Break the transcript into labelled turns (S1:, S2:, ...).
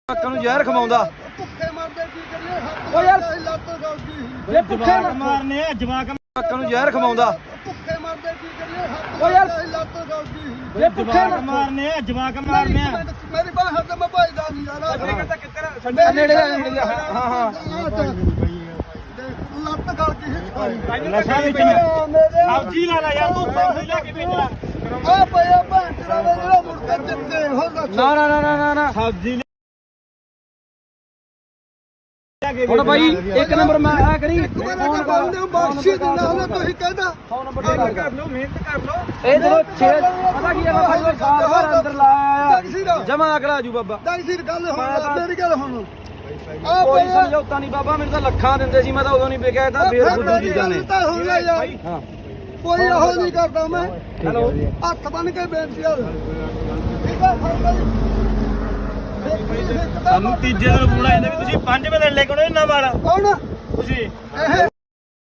S1: ਅੱਖਾਂ ਨੂੰ ਜ਼ਹਿਰ ਖਵਾਉਂਦਾ
S2: ਭੁੱਖੇ ਮਰਦੇ ਕੀ ਕਰੀਏ
S1: ਓ ਯਾਰ
S2: ਲੱਤ ਗਲਦੀ
S1: ਜੇ ਭੁੱਖੇ
S3: ਮਾਰਨੇ ਆ ਜਵਾਕ
S1: ਅੱਖਾਂ ਨੂੰ ਜ਼ਹਿਰ ਖਵਾਉਂਦਾ
S2: ਭੁੱਖੇ ਮਰਦੇ ਕੀ ਕਰੀਏ
S1: ਓ ਯਾਰ
S2: ਲੱਤ ਗਲਦੀ
S1: ਜੇ ਭੁੱਖੇ
S3: ਮਾਰਨੇ ਆ ਜਵਾਕ ਮਾਰਨੇ ਆ
S2: ਮੇਰੀ ਬਾਹ ਹੱਥ ਮੈਂ ਭਾਈਦਾ ਨਹੀਂ ਯਾਰ
S1: ਨੇੜੇ ਹਾਂ ਹਾਂ
S2: ਲੱਤ ਗਲਦੀ
S3: ਨਸ਼ਾ ਵਿੱਚ ਸਬਜ਼ੀ ਲਾ ਲੈ ਯਾਰ ਤੂੰ ਸਬਜ਼ੀ ਲੈ ਕੇ ਭੇਜਣਾ
S2: ਆ ਪਿਆ ਭੈਣ ਤੇਰਾ ਜਿਹੜਾ ਮੁਰਗਾ ਦਿੱਤੇ ਹੋ
S1: ਨਾ ਨਾ ਨਾ ਨਾ ਨਾ
S3: ਸਬਜ਼ੀ
S1: ਹੁਣ ਬਾਈ ਇੱਕ ਨੰਬਰ ਮੈਂ ਆ ਕਰੀ
S2: ਫੋਨ ਕਰਦੇ ਬਖਸ਼ੀ ਦੇ ਨਾਲ ਤੁਸੀਂ ਕਹਿੰਦਾ
S1: 100 ਨੰਬਰ ਤੇ ਗੱਲ ਕਰ
S3: ਲਓ ਮਿਹਨਤ ਕਰ ਲਓ
S1: ਇਹ ਜਦੋਂ 6 ਪਤਾ ਕੀ ਹੈ ਬਾਬਾ ਜੀ ਸਾਲ ਭਰ ਅੰਦਰ ਲਾਇਆ ਜਮਾ ਅਗਲਾ ਜੂ ਬਾਬਾ
S2: ਦਾਈਸੀਰ ਗੱਲ ਹੁਣ ਮੇਰੀ ਗੱਲ ਹੁਣ
S1: ਕੋਈ ਸਮਝੌਤਾ ਨਹੀਂ ਬਾਬਾ ਮੈਨੂੰ ਤਾਂ ਲੱਖਾਂ ਦਿੰਦੇ ਸੀ ਮੈਂ ਤਾਂ ਉਦੋਂ ਨਹੀਂ ਵੇਖਿਆ ਤਾਂ ਬੇਰੁੱਧ ਚੀਜ਼ਾਂ ਨੇ
S2: ਤਾਂ ਹੁਣ ਲੈ ਯਾਰ
S1: ਹਾਂ
S2: ਕੋਈ ਇਹੋ ਨਹੀਂ ਕਰਦਾ ਮੈਂ
S1: ਹੈਲੋ
S2: ਹੱਥ ਬੰਨ ਕੇ ਬੇਨਤੀ ਆ ਠੀਕ ਆ ਫੜ ਲਈ
S3: ਸਾਨੂੰ ਤੀਜੇ ਦਿਨ ਬੁਲਾਇਆ ਵੀ ਤੁਸੀਂ 5 ਵਜੇ ਲੈ ਕੇ ਆਉਣਾ ਇਹਨਾਂ ਵਾਲਾ
S2: ਕੌਣ
S3: ਤੁਸੀਂ
S2: ਇਹ